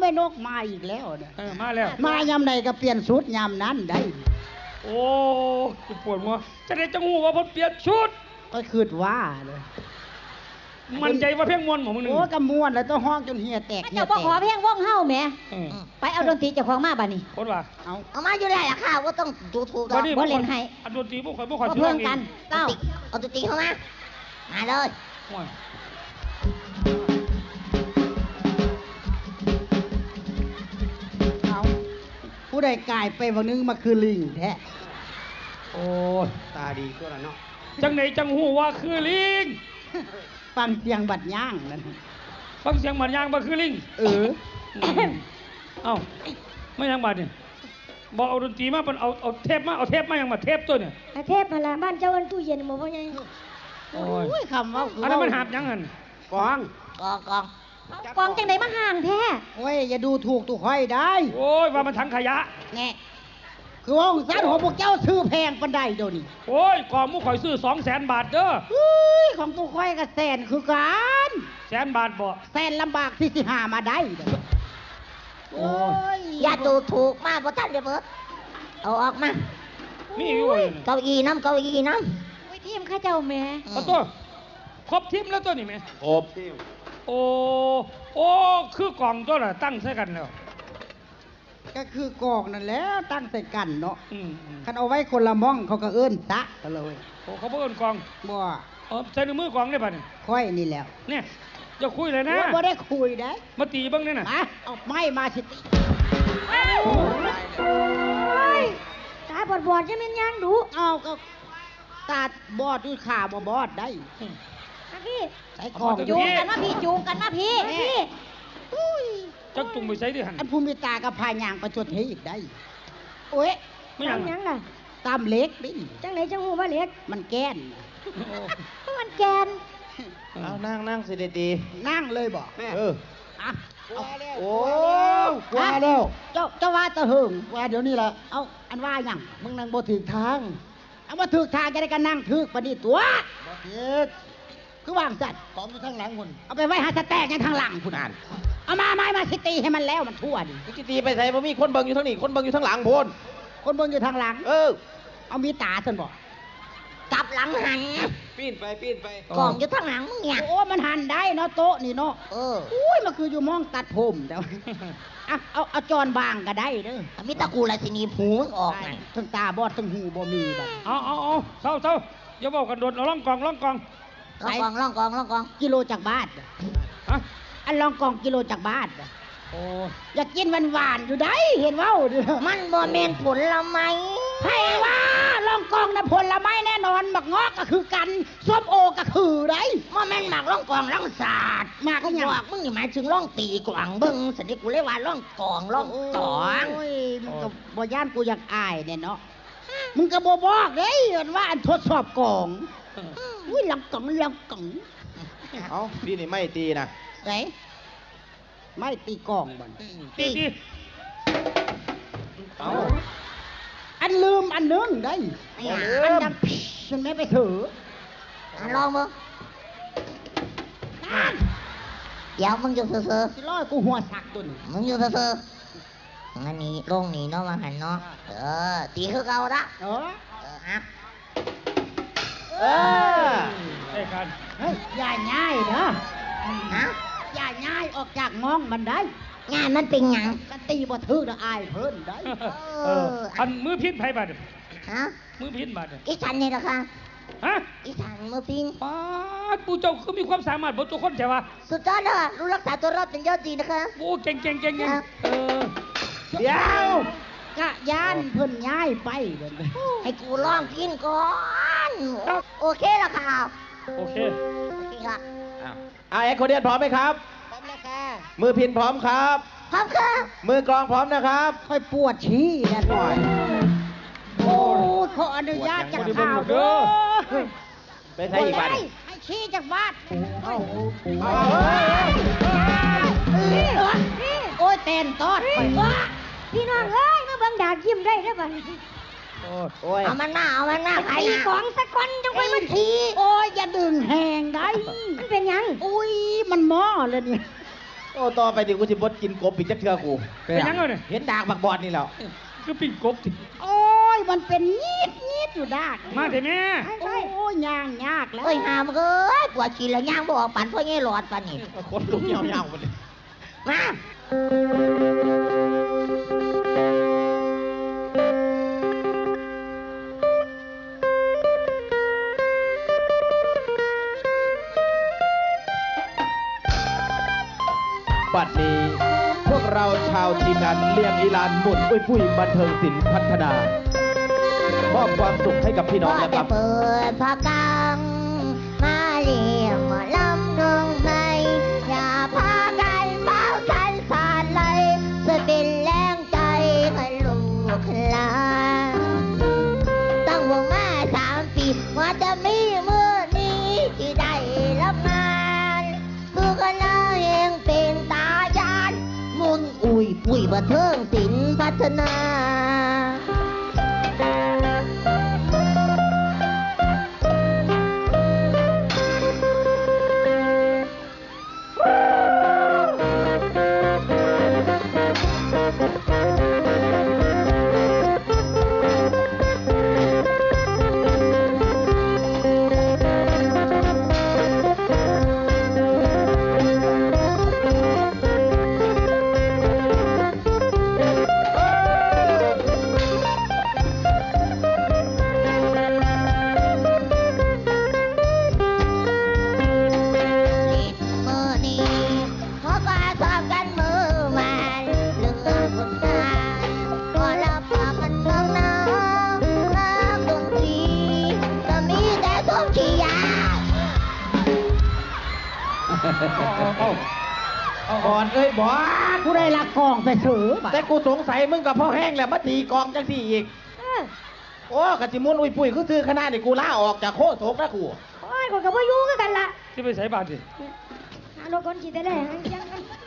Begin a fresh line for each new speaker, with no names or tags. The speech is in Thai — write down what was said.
ม่นกมาอีกแล้วเนี่ย
มาแล้ว
มายำใดก็เปลี่ยนชุดยำนั้นได้
โอ้ปวดหัวจะได้จังหูว่าเพิ่นเปลี่ยนชุด
ก็คืดว่าเลย
มันใจว่าเพียงมวนของมึงนึง
โอ้กระมวนแล้วต้องห้องจนเหียแตก
เจ้าบ่ขอเพียงวงเฮาแหมไปเอาดนตรีเจ้าของมาบัดนี้
คนว่า
เอามาอยู่ได้ล่ะค่ะว่าต้องดูถูกดอกบ่เล่นให้
อันดนตรีบ่ค่อย
เพิ่มกันเก้าเอาดนตรีเข้ามาเลย
เอาผู้ใดกายไปวันนึงมาคือลิงแท้
โอ้
ตาดีก็แล้วเนาะ
จังไหนจังหูว่าคือลิง
ฟังเสียงบัดย่างนั่น
ฟังเสียงบัดย่างบ่คือลิงเอ้าไม่ยังบัดนี่บอกเอาดนตรีมาเป็นเอาเทปมายังมาเทปตัวเนี่ย
เทปมาละบ้านเจ้าอันตู้เย็นหมดว่าไง
โอ้ยคำว่า
อันนั้นมันหาบยังหัน
กอง
จังไหนมาห่างแท้
โอ้ยอย่าดูถูกตุกห้อยได้
โอ้ยว่ามันถังขยะ
แน่คือว่าสัตว์ของพวกเจ้าซื้อแพงปันใดเดี๋ยวนี้
โอ้ยกองมุกข่อยซื้อ200,000 บาทเด้อ
ของตุกห้อยกับแสนคือกัน
100,000 บาทบ่
แสนลำบากที่สิหามาได้
โอ้ยอย่าดูถูกมากเพราะท่านเดี๋ยวเบิดเอาออกมา
มีอยู่
เก้าอี้น้ำวิธีมข้าเจ้าแม่
เอาตัวครบทีมแล้วตัวนี่แม่
ครบทีม
โอ้คือกองตัวน่ะตั้งใส่กันแล้ว
ก็คือกองนั่นแหละตั้งใส่กันเนาะคันเอาไว้คนละม่องเขาก็เอิ้นตะกันเลย
โอ้เขาเอิ้นกอง
บ่
ใส่ในมือกองได้ป่ะนี่
ค่อยนี่แล้ว
เนี่ยจะคุยเลยนะ
บ่ได้คุยได้
มาตีบ้างเนี่ยน่ะ
เอาไม้มาสิตี
ตาบอดจะเป็นยังดู
เอาก็ตาบอดด้วยขาบ่บอดได้
พี่ใส่กองจูงกันมาพี่
จักจุงไปใส่ดิหัน
อันภูมิตากับพายางประชดเฮอีกได้โอ้ย
ไม่ยัง
ล่ะ
ตามเล็กดิ
จังไหนจังหูว่าเล็ก
มันแก้น
มันแกน
เอานั่งสิดี
นั่งเลยบอก
โอ้
ว่าแล้วเจ้าว่าตะหึงว่าเดี๋ยวนี้ละเอาอันว่าอย่างมึงนั่งบ่ถึงทางเอามาถึงทางจะได้กันนั่งถึกปนิตัวคือวางจัด
กองอยู่ทางหลังคุณ
เอาไปไว้หาสแตกยังทางหลังคุณอ่านเอามาสิตีให้มันแล้วมันทั่วดิ
สิตีไปใส่บ่มีคนเบิ่งอยู่ทางนี้คนเบิ่งอยู่ทางหลังพุ่น
คนเบิ่งอยู่ทางหลังเอามีตาท่านบอก
กลับหลังหัน
ปีนไป
กองอยู่ทางหลังมึงเนี่ย
โอ้มันหันได้เนาะโต๊ะนี่เนาะอุ้ยมันคืออยู่มองตัดผมแต่เอาจอนบางก็ได้เด้อ
มีตะกูอะไรสินีผูมึงออกไง
ทั้งตาบอดทั้งหูบ่มีแบบ
เอาเศร้าอย่าบอกกันโดดเอาล่องกอง
กิโลจากบ้านอันล่องกองกิโลจากบ้านอยากกินหวานอยู่ได้เห็นว่า
มันบ่แม่นผลไม้
ให้ว่าล่องกองนะผลไม้แน่นอนหมักงอกก็คือกันส้มโอก็คือได้
บ่แม่นหมักล่องกองล่องศาสตร์หมักก็บอกมึงนี่หมายถึงล่องตีกวางเบิ่งสันนิกูเลยว่าล่องกองล่องตอง
โอ้ยมึงก็บ่ย่านกูอยากอายเนี่ยเนาะมึงก็บ่บอกเด้ว่าอันทดสอบกองอุ้ยล่องกอง
เอาพี่นี่ไม่ตีนะ
ไหนไม่ตีกองบ่
ตี
เอาอันลืมอันนึงได้อันดังฉันไม่ไปถือ
ลองมั้งเดี๋ยวมึงอยู่เซ่อ
สิร้อยกูหัวสักตุน
มึงอยู่เซ่ออันนี้ลงนี่เนาะมาหันเนาะตีคือเก่าละ
ได้กัน
อย่าง่ายเนาะอย่าง่ายออกจากมองมันได้
งานมันเป็นหยัง
กันตีบ่ถือละอายเพิ่นได้
อันมือพิษไผบาดมือพิษบาด
อีฉันนี่ล่ะค่ะอีฉันมือพิษ
ป้าปูเจ้าคือมีความสามารถบ่ตัวคนใช่ป่ะ
สุดยอดเลยรู้รักษาตัวรอดเป็นยอดดีนะคะ
โอ้เก่งเ
เดี๋ยวกะยานเพิ่นย้ายไป
ให้กูลองกินก่อนโอเคแล้วค่ะ
โอเค
ค่ะ
แอคโคเดียนพร้อมไหมครับ
พร้อมแล้วค่ะ
มือพินพร้อมครับ
พร้อมค่ะ
มือกลองพร้อมนะครับ
ค่อยปวดชี้นะหน่อยโอ้ขออนุญาตจากข่าวเด้อ
ไปใช้อีกบ้าน
ให้ชี้จากบ้านโอ้ยเต้นตอดไป
พี่น้องเอ้ยมาบังดายิ้มได้ได้ป่ะเอามันหน้าไอ้ของสักคนจงไปมันที
โอ้ยอย่าดึงแหงได้
มันเป็นยัง
อุ้ยมันหม้อเลยนี่
โอ้ต่อไปดิกูสิบดกินกบอีกจักเทื่อกู
เป็นยังไงเนี่ย
เห็นดากบักบอดนี่แล้ว
ก็ปิ้งกบติ
โอ้ยมันเป็นยีดอยู่ดาก
มาเถอะแม่
โอ้ยยากแล้ว
เอ้ยหามเอ้ยปวดขี้แล้วย่างบ่ออกปั่นพ่อแง่หลอดปั่นนี่
คนลุกเหี่ยวๆหมดเลย
มา
บัดนี้พวกเราชาวทีมงานเลี้ยงอีลานหมุนอุ้ยปุ้ยบันเทิงศิลป์พัฒนามอบความสุขให้กับพี่น้องนะค
จะ
รับ
เปิดผ้ากังมาเลี้ยงหมอลำน้องใหม่อย่าพากันเฝ้าฉันสานเลยจะเป็นแรงใจให้ลูกหลานตั้งวงมา3 ปีว่าจะมีมือนี้ที่ได้รับงานคือกันแล้วเองเป็นตาจานมุนอุ้ยปุ้ยบันเทิงศิลป์พัฒนา
บอดเอ้ยบอด
ผู้ได้ลักกองไปถือบัด
แต่กูสงสัยมึงกับพ่อแห้งแหละมาตีกองจังสี่อีก โอ้กะจิมุนอุ้ยปุ้ยคือซื้อขนาดนี่กูลาออกจากโคตรนะกู
โอ้ยคนกับว่ายุ่งกันละ
ที่ไปใส่บาตรสิ
หารถคนขี่แต่แรกยัง